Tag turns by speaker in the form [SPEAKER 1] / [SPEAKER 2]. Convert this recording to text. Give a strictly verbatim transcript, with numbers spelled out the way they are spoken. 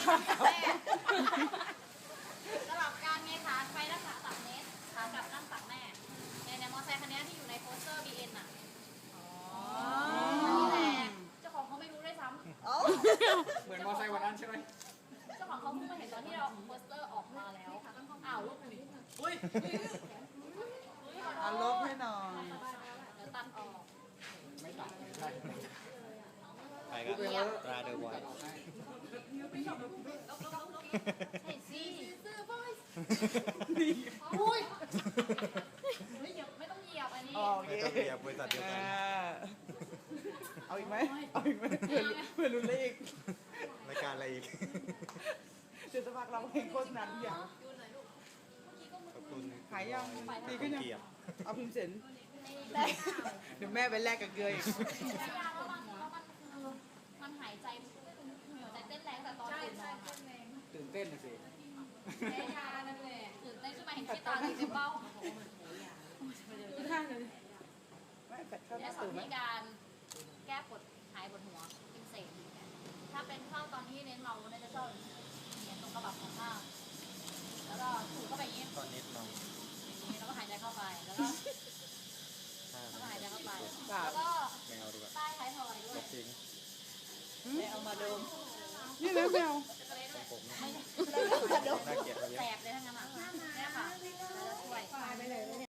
[SPEAKER 1] แม่สลับการไงขาไปนั่งขาตักเนสขากลับนั่งตักแม่ในในมอเตอร์ไซค์คันนี้ที่อยู่ในโปสเตอร์ บี เอ็น อ่ะนี่แหละเจ้าของเขาไม่รู้ด้วยซ้ำ
[SPEAKER 2] เหมือนมอไซค์วันนั้นใช่ไหม
[SPEAKER 1] เจ้าของเขาเพิ่งมาเห็นตอนที่เราโปสเตอร์ออกมาแล้วอ้าวลบหนึ่งอุ้ย
[SPEAKER 3] เอาลบให้หน่อย
[SPEAKER 1] เดี๋ยวตัดออก
[SPEAKER 2] ไม่ตัดใช่
[SPEAKER 4] ไปกับตราเดอะไวท์
[SPEAKER 1] ใช่สิซื้อบอยอุ้ยไม่เหยียบไม่ต้องเหยียบอันนี้
[SPEAKER 3] โอเค
[SPEAKER 4] ไม่ต้องเรียบบริษัทเดียวกัน
[SPEAKER 3] เอาอีกไหมเอาอีกไหมเพื่อนเพื่อนรุ่นเลข
[SPEAKER 4] รายการอะไรอีก
[SPEAKER 3] เดี๋ยวจะพักเราเพลงโฆษณาทุกอย่าง
[SPEAKER 1] ดูหน่อยลูกเมื่อกี้ก็มือ
[SPEAKER 4] ขอบคุณ
[SPEAKER 3] ขายยังดี
[SPEAKER 4] ดี
[SPEAKER 3] ขึ้
[SPEAKER 4] ขึ้
[SPEAKER 3] น
[SPEAKER 4] น
[SPEAKER 3] ยัง
[SPEAKER 4] เกียรติ
[SPEAKER 3] เอาพิมพ์เสร็จ
[SPEAKER 1] ได้
[SPEAKER 3] เดี๋ยวแม่ไปแลกกับเกลืออีก
[SPEAKER 1] ยาแล้วมันแล้วมันคือมันหายใจหัวใจเต้นแรงแต่ตอนตื่นนอน
[SPEAKER 2] ตื่นเต้นนะสิ
[SPEAKER 1] แพ้ยานั่นแหละตื่นเต้นขึ้นมาเห็นขี้ตาตีเต็มเบ้า
[SPEAKER 3] ท่าเลยไม่แปดเข้าห
[SPEAKER 1] และ
[SPEAKER 3] น้า
[SPEAKER 1] สอ
[SPEAKER 3] ตื่
[SPEAKER 1] น
[SPEAKER 3] นไหม
[SPEAKER 1] วิธีการแก้ปวดหายปวดหัวกินเสกถ้าเป็นเข้าตอนที่เน้นเราเนี่ยจะชอบเนี่ยตรงกระบับของข้างแล้วก็ถูเข้าไปอย่างนี้
[SPEAKER 4] ตอนนี้น้อง
[SPEAKER 1] อย่างนี้แล้วก็หายใจเข้าไปแล้วก็
[SPEAKER 4] ห้า
[SPEAKER 1] แล้วก็หายใจเข้าไป
[SPEAKER 3] สาม
[SPEAKER 1] แล้วก็
[SPEAKER 4] ไม่เอาดีกว่า
[SPEAKER 1] ใต้ท้ายทอยด้ว
[SPEAKER 4] ล
[SPEAKER 1] ย
[SPEAKER 4] บทิ้ง
[SPEAKER 3] แม่เอามาดมนี่นะแมว
[SPEAKER 4] ของผม
[SPEAKER 1] ไม่
[SPEAKER 4] น่าเกลียดเราเย
[SPEAKER 1] แส
[SPEAKER 4] อะ
[SPEAKER 1] บเลยทั้งนั้นอ่ะเนี่ยค่ะแล้วช่วย